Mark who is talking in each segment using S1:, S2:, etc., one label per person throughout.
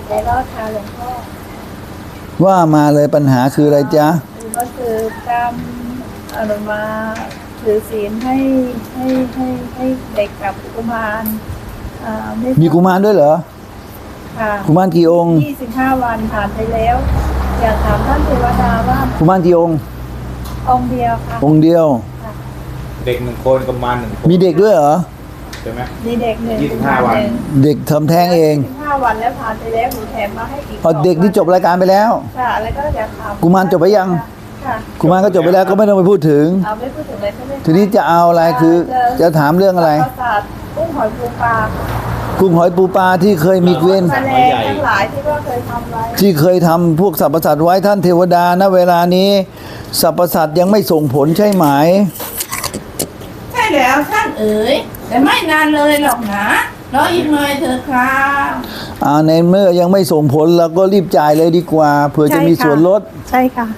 S1: ใจรอดค่ะหลวงพ่อ
S2: ว่ามาเลยปัญหาคืออะไรจ๊ะ
S1: ก็คือการอนุมาถือศีลให้เด็กกับกุมาร
S2: มีกุมารด้วยเหรอ
S1: ค่ะ
S2: กุมารกี่องค์
S1: 25 วันผ่านไปแล้ว อยากถามท่านเทวดาว่า
S2: กุมารกี่องค์
S1: องค์เดียวค่ะ
S2: องค์เดียว
S1: ค่ะ
S3: เด็กหนึ่งคนกับมารหนึ่งคน
S2: มีเด็กด้วยเหรอ
S3: ใช่ไหม
S1: มีเด็กหนึ่ง
S3: 25 วัน
S2: เด็กทำแท้งเอง
S1: 25 วันแล้วผ่านไปแล้วหนูแถมมาให้อีก
S2: เอาเด็กที่จบรายการไปแล้ว
S1: ค่ะแล้วก็อยากถาม
S2: กุมารจบไปยัง
S1: ค่ะ
S2: กุมารก็จบไปแล้วก็ไม่ต้องไปพูดถึง
S1: เอาไม่พูดถึงเลยใช่ไหมคะ
S2: ทีนี้จะเอาอะไรคือจะถามเรื่องอะไร
S1: ปราสาทกุ้งหอยปูปลา
S2: กุ้งหอยปูปลาที่เคยมีเวร
S1: แมลงทั้งหลายที่ว่าเคยทำไว้
S2: ที่เคยทำพวกสรรพสัตว์ไว้ท่านเทวดาณเวลานี้สรรพสัตว์ยังไม่ส่งผลใช่ไหม
S4: ใช่แล้วท่านเอ๋ยแต่ไม่นานเลยหรอกนะรออีกหน่อยเถอะครับ
S2: ในเมื่อยังไม่ส่งผลเราก็รีบจ่ายเลยดีกว่าเผื่อจะมีส่วนลด
S1: ใช่ค่ะ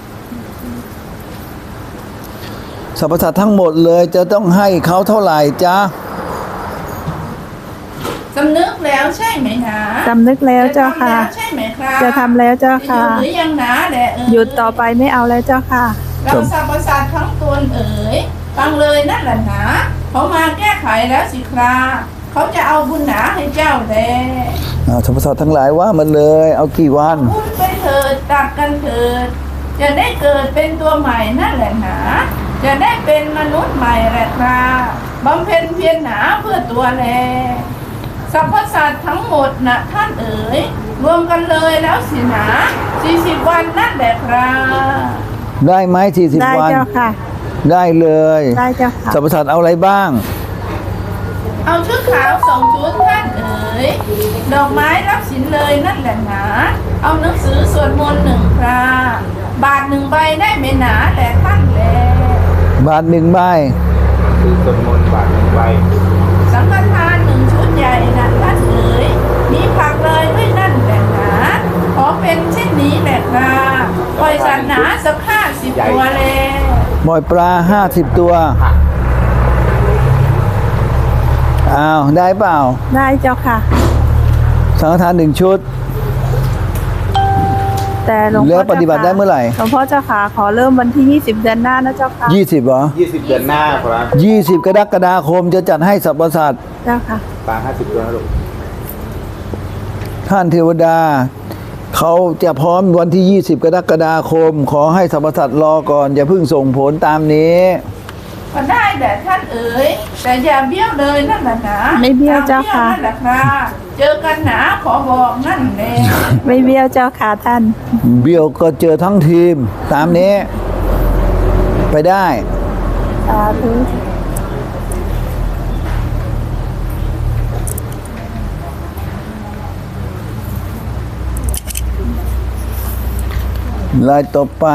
S2: สรรพสัตว์ทั้งหมดเลยจะต้องให้เขาเท่าไหร่จ๊ะ
S4: สำนึกแล้วใช่ไหมนะ
S1: สำนึกแล้วเจ้าค่ะ
S4: จทำแล้วใช่ไหมครับ
S1: จะทำแล้วเจ้า
S4: จะห
S1: ค่ะ
S4: ยุดหรือยังนะแหละเอ๋ย
S1: หยุดต่อไปไม่เอาแล้วเจ้าค่ะ
S4: เราสรรพสัตว์ทั้งตนเอ๋ยฟังเลยนั่นแหละนะเขามาแก้ไขแล้วสิครับเขาจะเอาบุญหนาให้เจ้าแล
S2: สรรพสัตว์ทั้งหลายว่ามันเลยเอากี่วัน
S4: พูดไปเถิดตักกันเถิดจะได้เกิดเป็นตัวใหม่นั่นแหละนะจะได้เป็นมนุษย์ใหม่แหละครับบำเพ็ญเพียรหนาเพื่อตัวแลสรรพสัตว์ทั้งหมดนะท่านเอ๋ยรวมกันเลยแล้วสินะ40 วันนั่นแหละครับ
S2: ได้ไหม40
S1: ได้
S2: วัน
S1: เจ้าค่ะ
S2: ได้เลย
S1: ได้เจ้าค่ะ
S2: สรรพสัตว์เอาอะไรบ้าง
S4: เอาชุดขาว2 ชุดท่านเอ๋ยดอกไม้รับสินเลยนั่นแหละนะเอาหนังสือสวดมนต์1 คราบาท1 ใบได้ไม่หนาแต่ท่านแล
S2: บาทหนึ่งใบ
S3: คือสวดมนต์บาทหนึ่งใบ
S4: สังฆทาน1 ชุดใหญ่นะท่านเอ๋ยมีผักเลยด้วยนั่นแหละนะขอเป็นเช่นนี้แหละครับปล่อยสัตว์หนาสัก50 ตัวเลย
S2: หมอยปลา50 ตัวอ้าวได้เปล่า
S1: ได้เจ้าค่ะ
S2: สังฆทาน1 ชุด
S1: แต่หลวงพ่อ
S2: แล้วปฏิบัติได้เมื่อไหร่
S1: หลวงพ่อเจ้าค่ะขอเริ่มวันที่ 20 เดือนหน้านะเจ้าค่ะ
S2: 20เหรอ
S3: 20 เดือนหน้าครับ
S2: 20 กรกฎาคมจะจัดให้สรรพสัตว์
S1: เจ้าค่ะ
S3: ปลา50 ตัวนะลูก
S2: ท่านเทวดา เขาจะพร้อมวันที่ 20 กรกฎาคม ขอให้สรรพสัตว์รอก่อนอย่าเพิ่งส่งผลตามนี้
S4: ก็ได้แต่ท่านเอ๋ยแต่อย่าเบี้ยวเลยนั่นแหละนะ
S1: ไม่เบี้ยวเจ้าค่ะ
S4: อย่บี้ยนั่นแหละครับเจอกันหนาขอบอกนั่นแหละ
S1: ไม่เบี้ยวเจ้าค่ะท่าน
S2: เบี้ยวก็เจอทั้งทีมตามนี้ ไปได้
S1: สาธุ
S2: ลายต่อไป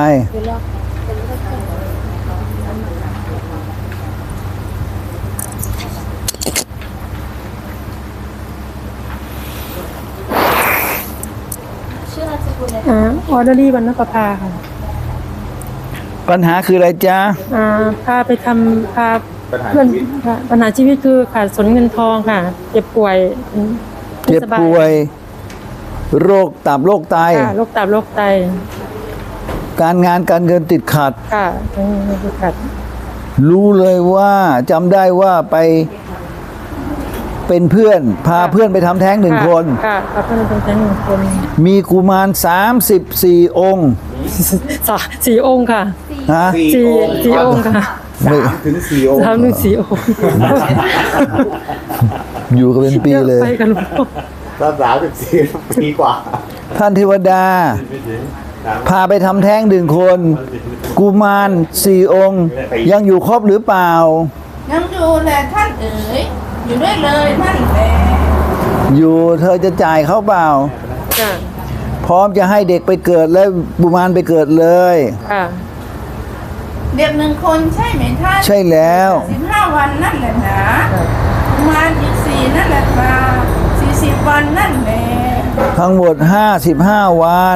S5: ออเดอรี่วรรณประภาค่ะ
S2: ปัญหาคืออะไรจ๊ะ
S5: พาไปทำพา
S3: ปัญหา
S5: เพื่อน
S3: ชีวิต
S5: ค่ะปัญหาชีวิตคือขาดสนเงินทองค่ะ เจ็บป่วย
S2: เจ็บป่วย โรคตับโรคไต
S5: ค่ะโรคตับโรคไต
S2: การงานการเงินติดขัด
S5: ค่ะไม่ได้ขัด
S2: รู้เลยว่าจำได้ว่าไปเป็นเพื่อน พาเพื่อนไปทำแท้ง1 คน
S5: ค่ะพาเพื่อนไปทำแท้ง1 คน
S2: มีกุมาร34 องค์
S5: สี่องค์ค่ะ
S2: ฮะ
S5: สี่องค์ค่ะ
S3: 3 ถึง 4 องค์
S5: 4 องค์
S2: อยู่กันเป็นปีเลย
S5: ไปกันหลวงพ่อ
S3: ถ้า34 ปีกว่า
S2: ท่านเทวดา พาไปทำแท้ง1 คน กุมาร4 องค์ ยังอยู่ครบหรือเปล่า
S4: ยังอยู่แหละท่านเอ๋ยอยู่ด้วยเลยนั่นแหละ
S2: อยู่เธอจะจ่ายเขาเปล่า
S5: ค่ะ
S2: พร้อมจะให้เด็กไปเกิดและกุมารไปเกิดเลย
S5: ค่ะ
S4: เด็ก1 คนใช่ไหมท่าน
S2: ใช่แล้ว
S4: 15 วันนั่นแหละนะประมาณอีก4นั่นแหละครับ40 วันนั่นแหละ
S2: ทั้งหมด55 วัน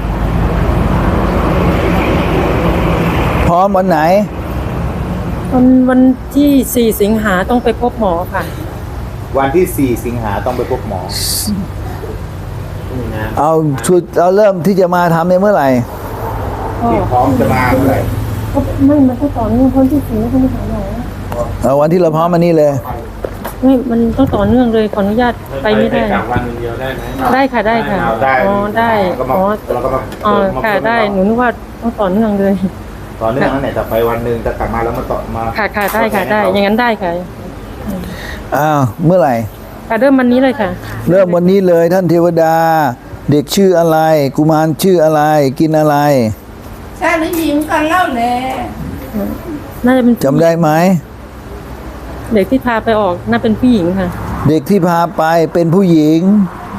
S2: พร้อมวันไหน
S5: วันที่ 4 สิงหาต้องไปพบหมอค่ะ
S3: วันที่ 4 สิงหาต้องไปพบหมอ
S2: เอาชุดเราเริ่มที่จะมาทำในเมื่อไหร่
S5: ก็
S3: ที่พร้อมจะมาเมื่อไหร่
S5: ก็ไม่มันต้องต่อเนื่องคนที่สี่คนที่สามหน่อย
S2: เอาวันที่เราพร้อมมานี่เลย
S5: ไม่มันต้องต่อเนื่องเลยขออนุญาตไปไม่ได้
S3: กลับวันเดียวได้ไหม
S5: ได้ค่ะได้ค่ะ
S3: ได้
S5: อ๋อได้
S3: ก็มา
S5: อ๋อ
S3: เราก็มา
S5: อ๋อค่ะได้หนูนึกว่าต้องต่อเนื่องเลย
S3: ตอนนี้นั่นแหละแต่ไปวันหนึ่งจะกลับมาแล้วมาต่อมา
S5: ค่ะค่ะได้ค่ะได้อย่างนั้นได้ค่ะ
S2: อ้าวเมื่อไหร่
S5: ค่ะเริ่มวันนี้เลยค่ะ
S2: เริ่มวันนี้เลยท่านเทวดา เด็กชื่ออะไร กุมารชื่ออะไร กินอะไร
S4: ชายหรือหญิงกันเล่าแล
S5: น่าจะเป็น
S2: จำได้ไหม
S5: เด็กที่พาไปออกน่าเป็นผู้หญิงค่ะ
S2: เด็กที่พาไปเป็นผู้หญิง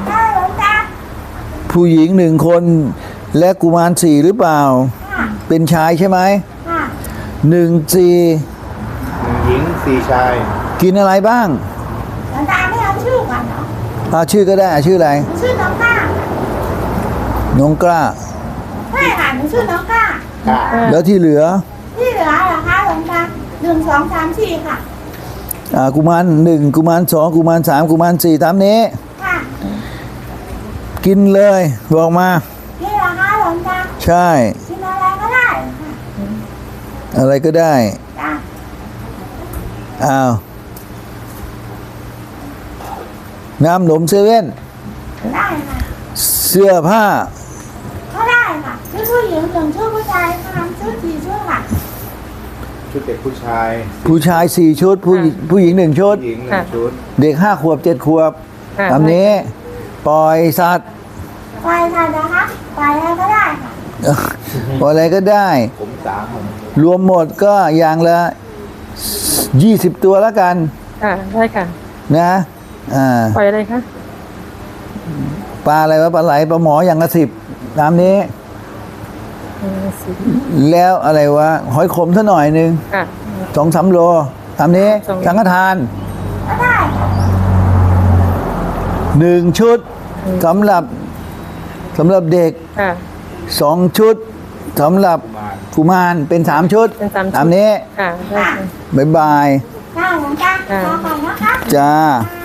S2: ผู้หญิงหนึ่งคน และกุมารสี่หรือเปล่า เป็นชายใช่ไหมหนึ่งสี่
S3: 1 หญิง 4 ชาย
S2: กินอะไรบ้าง
S1: หลวงตาไม่เอาชื่อกันเหรอ
S2: เอาชื่อก็ได้เอาชื่ออะไร
S1: หนูชื่อน้องก้า
S2: น้องกล้า
S1: ใช่ค่ะหนูชื่อน้องก้า
S3: ค่ะ
S2: แล้วที่เหลือ
S1: ที่เหลือเหรอคะหลวงตา1 2 3 4ค่ะ
S2: กุมารหนึ่งกุมารสองกุมารสามกุมารสี่ตามนี้
S1: ค่ะ
S2: กินเลยบอกมา
S1: นี่เหรอคะหลวงตา
S2: ใช่
S1: กินอะไรก็ได้ค่ะ
S2: อะไรก็ได้
S1: จ้ะ
S2: อ้าวน้ำหนมเซเว่น
S1: ได้ค่ะ
S2: เสื้อผ้า
S1: ก็ได้ค่ะชื่อผู้หญิง1ชื่อผู้ชายค่ะชื่อ4ชื่อค่ะ
S3: ชุดเด็กผู้ชาย
S2: ผู้ชายสี่ชุด ผู้หญิงหนึ่งชุด
S3: ผู้หญิง
S5: ค่ะ
S3: 1 ชุด
S2: เด็ก5 ขวบ 7 ขวบ
S5: ค่ะ
S2: ตามนี้ ปล่อยสัตว์
S1: ไปค่ะนะคะไปอะไรก็ได้ค่ะ
S2: ปล่อยอะไรก็ได้
S3: ผม3
S2: รวมหมดก็อย่างละ20 ตัวแล้วกัน
S5: ค่ะได้ค่ะ
S2: นะ
S5: ปล่อยอะไรคะ
S2: ปลาอะไรวะปลาไหลปลาหมออย่างละ10ตามนี้
S5: สิ
S2: แล้วอะไรวะหอยขมซะหน่อยหนึ่ง
S5: ค่ะ
S2: 2-3 โลตามนี้
S5: สอง
S2: สังฆทาน
S1: ก็ได้ค่ะ
S2: 1 ชุดสำหรับเด็ก
S5: ค่ะ
S2: 2 ชุดสำหรับกุมารเป็น3 ชุด
S5: เป็น3 ชุด
S2: ตามนี้
S5: ค่ะได้ค่ะ
S2: บ๊ายบาย
S1: ได้หลวงตาขอก่อนนะคะ
S2: จ้า
S1: ค่ะ